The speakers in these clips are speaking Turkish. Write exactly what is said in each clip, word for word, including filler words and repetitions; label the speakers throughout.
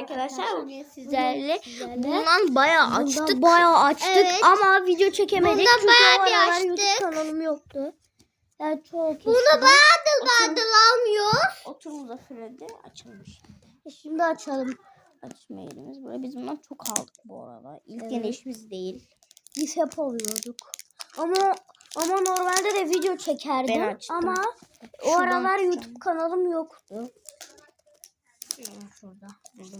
Speaker 1: arkadaşlar. Bugün sizlerle bundan bayağı
Speaker 2: Bundan
Speaker 1: açtık.
Speaker 2: bayağı açtık
Speaker 3: Evet.
Speaker 2: ama video çekemedik.
Speaker 3: Bundan
Speaker 2: Çünkü
Speaker 3: bayağı
Speaker 2: o
Speaker 3: bir
Speaker 2: aralar
Speaker 3: açtık.
Speaker 2: YouTube kanalım yoktu. Yani çok
Speaker 3: Bunu
Speaker 2: eskiden.
Speaker 3: bayağıdır bayağıdır almıyoruz.
Speaker 1: Otur Muzaffer'de açılmış.
Speaker 2: E Şimdi açalım.
Speaker 1: Açma yerimiz böyle. Biz bundan çok aldık bu arada. İlk
Speaker 2: Evet.
Speaker 1: deneyişimiz değil.
Speaker 2: Biz hep alıyorduk. Ama ama normalde de video çekerdim.
Speaker 1: Ben açtım.
Speaker 2: Ama o
Speaker 1: Şuradan
Speaker 2: aralar
Speaker 1: açacağım.
Speaker 2: YouTube kanalım yoktu.
Speaker 1: Şurada buldum.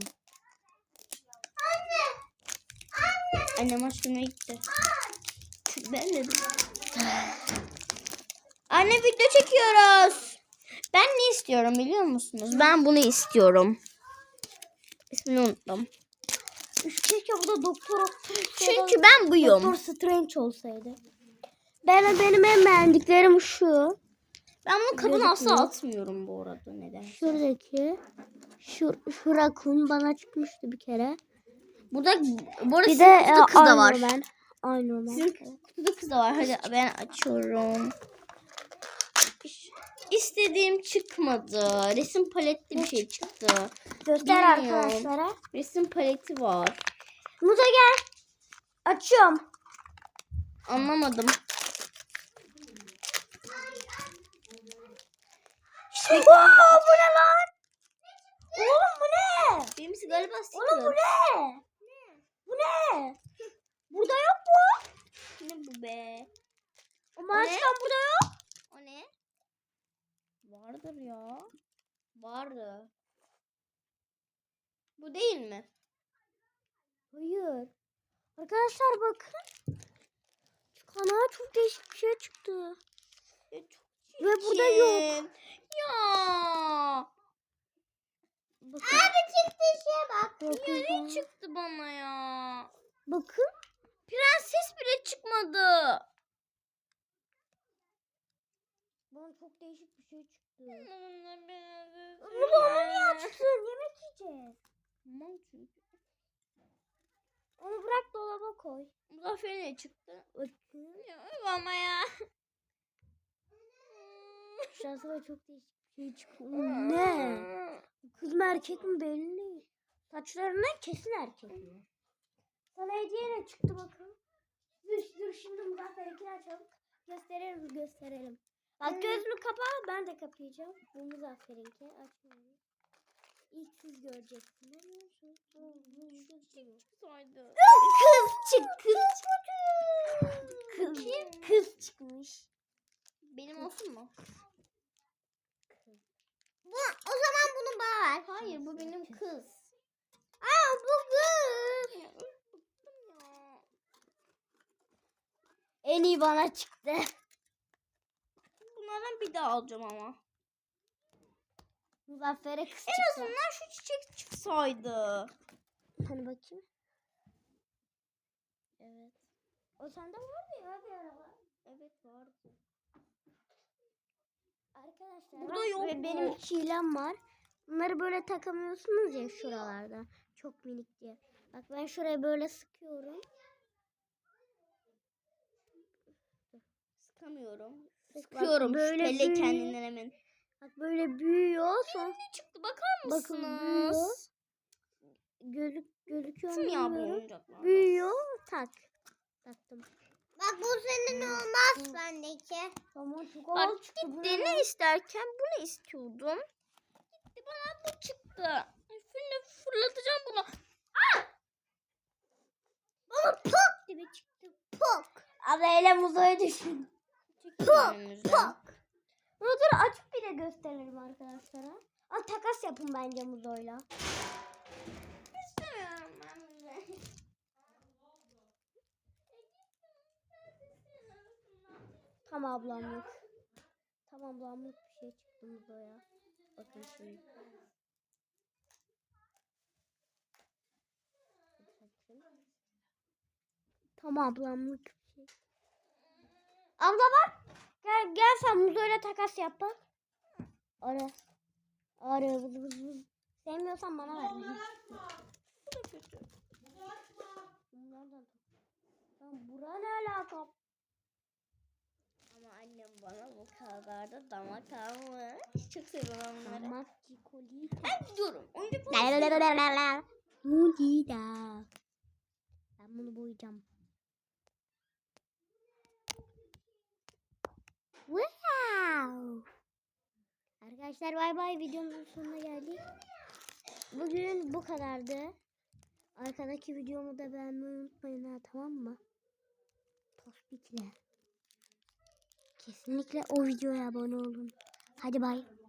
Speaker 1: Anne. Anne. Annem aşkına gitti. Ben dedim. Anne video çekiyoruz. Ben ne istiyorum biliyor musunuz? Ben bunu istiyorum. İsmini unuttum.
Speaker 2: Keşke bu da doktor
Speaker 1: Çünkü ben buyum.
Speaker 2: Doktor Strange olsaydı. Ben benim en beğendiklerim şu.
Speaker 1: Ben bunu kabına asla
Speaker 2: Gözükmüyor.
Speaker 1: atmıyorum bu arada. Neden?
Speaker 2: Şuradaki şu, şu rakun bana çıkmıştı bir kere.
Speaker 1: Burada bu arada
Speaker 2: Bir
Speaker 1: sizin
Speaker 2: de
Speaker 1: kutuda kız da var.
Speaker 2: Ben. Aynı ben.
Speaker 1: Sizin kutuda kız da var. Hadi ben açıyorum. İstediğim çıkmadı. Resim paletli bir şey çıktı.
Speaker 2: Göster
Speaker 1: Bilmiyorum.
Speaker 2: arkadaşlara.
Speaker 1: Resim paleti var.
Speaker 2: Muza gel. Açıyorum.
Speaker 1: Anlamadım.
Speaker 2: Oo, bu ne lan? Oğlum bu ne?
Speaker 1: Benimsi galiba
Speaker 2: Oğlum bu
Speaker 1: sticker.
Speaker 2: ne? Bu ne? Burada yok mu?
Speaker 1: Ne bu be?
Speaker 2: Ama
Speaker 1: O ne?
Speaker 2: açıyorum burada yok.
Speaker 1: O ne? Vardır ya. Vardı. Bu değil mi?
Speaker 2: Hayır. Arkadaşlar bakın. Şu kanala çok değişik bir şey çıktı.
Speaker 1: Ya çok
Speaker 2: Ve burada yok.
Speaker 1: çirkin. Ya.
Speaker 2: Bakın.
Speaker 3: Abi çıktı şeye bak.
Speaker 2: Bakın.
Speaker 1: Ya ne çıktı bana ya?
Speaker 2: Bakın.
Speaker 1: Prenses bile çıkmadı.
Speaker 2: Bana çok değişik bir şey çıktı.
Speaker 1: Bunu
Speaker 2: Bunu onu niye açtın? Yemek yiyeceğiz.
Speaker 1: Tamam çünkü.
Speaker 2: Onu bırak dolaba koy.
Speaker 1: Muzaffer'e ne çıktı?
Speaker 2: Bakın.
Speaker 1: Ya ama ya.
Speaker 2: Şansıma çok değişik bir şey çıktı. Ne? Kız mı erkek mi belli değil. Saçlarından kesin erkek mi? Sana hediye ne çıktı bakın. Dur, dur şimdi Muzaffer'inkini açalım. Gösterelim gösterelim. Bak gözünü kapa, ben de kapayacağım. Bu Muzaffer'inki açmayalım. İlk siz göreceksiniz.
Speaker 1: Saydı.
Speaker 2: Kız çık kız kız kız çıkmış.
Speaker 1: Benim olsun mu?
Speaker 3: Bu, o zaman bunu bana ver.
Speaker 1: Hayır bu benim kız.
Speaker 3: Aa bu kız.
Speaker 1: Ya, bıktım ya.
Speaker 2: En iyi bana çıktı.
Speaker 1: Bunlardan bir daha alacağım ama.
Speaker 2: Muzaffer'e kız
Speaker 1: En
Speaker 2: çıktı.
Speaker 1: azından şu çiçek çıksaydı.
Speaker 2: Hani bakayım. Evet. O sende vardı ya bir araba.
Speaker 1: Evet vardı.
Speaker 2: Arkadaşlar
Speaker 1: Burada
Speaker 2: bak,
Speaker 1: yok
Speaker 2: ve
Speaker 1: bu.
Speaker 2: benim çilem var. Bunları böyle takamıyorsunuz ya şuralarda. Çok minik diye. Bak ben şuraya böyle sıkıyorum.
Speaker 1: Sıkamıyorum.
Speaker 2: Bak,
Speaker 1: Sıkıyorum
Speaker 2: böyle
Speaker 1: şüpheli
Speaker 2: büyüyor.
Speaker 1: kendinden emin.
Speaker 2: Bak böyle büyüyor. Sonra
Speaker 1: Ne çıktı bakar
Speaker 2: bakın
Speaker 1: mısınız?
Speaker 2: büyüyor. Gözük, gözüküyor mu
Speaker 1: Kim ya bu
Speaker 2: bilmiyorum.
Speaker 1: oyuncaklar?
Speaker 2: Büyüyor. Tak. Taktım.
Speaker 3: Bak bu senin olmaz bendeki.
Speaker 2: Tamam çok
Speaker 1: Bak
Speaker 2: havalı çıktı. Bu
Speaker 1: gitti
Speaker 2: ne
Speaker 1: ne
Speaker 2: lan?
Speaker 1: isterken bunu istiyordum. Gitti bana bu çıktı. Şimdi fırlatacağım bunu.
Speaker 2: Bana pok gibi çıktı. Pok. Abla ele muzaya düşün.
Speaker 1: Pok
Speaker 2: Pok. Bunu dur açıp bir de gösterelim arkadaşlara. Ama takas yapın bence muzoyla.
Speaker 1: İstemiyorum ben bunu.
Speaker 2: Tam ablamlık. Tam ablamlık bir şey çıktı muzoya. Bakın şimdi. Tam ablamlık bir şey. Abla bak. Gel, gel sen muzoyla takas yap bak. Ara. Ara. Vız vız vız. Sevmiyorsan bana ver.
Speaker 1: Bu da kötü.
Speaker 2: Bunlardan. Lan bura ne alaka?
Speaker 1: Ama annem bana bu kadar da damak almış. Çok seviyorum onları.
Speaker 2: Damak çikolata.
Speaker 1: Ben gidiyorum. Oyuncak
Speaker 2: La la la la la la. Mudida. Ben bunu boyayacağım. Wow. Arkadaşlar bay bay, videomuzun sonuna geldik. Bugün bu kadardı. Arkadaki videomu da beğenmeyi unutmayın ha, tamam mı? Tospikle. Kesinlikle o videoya abone olun. Hadi bay.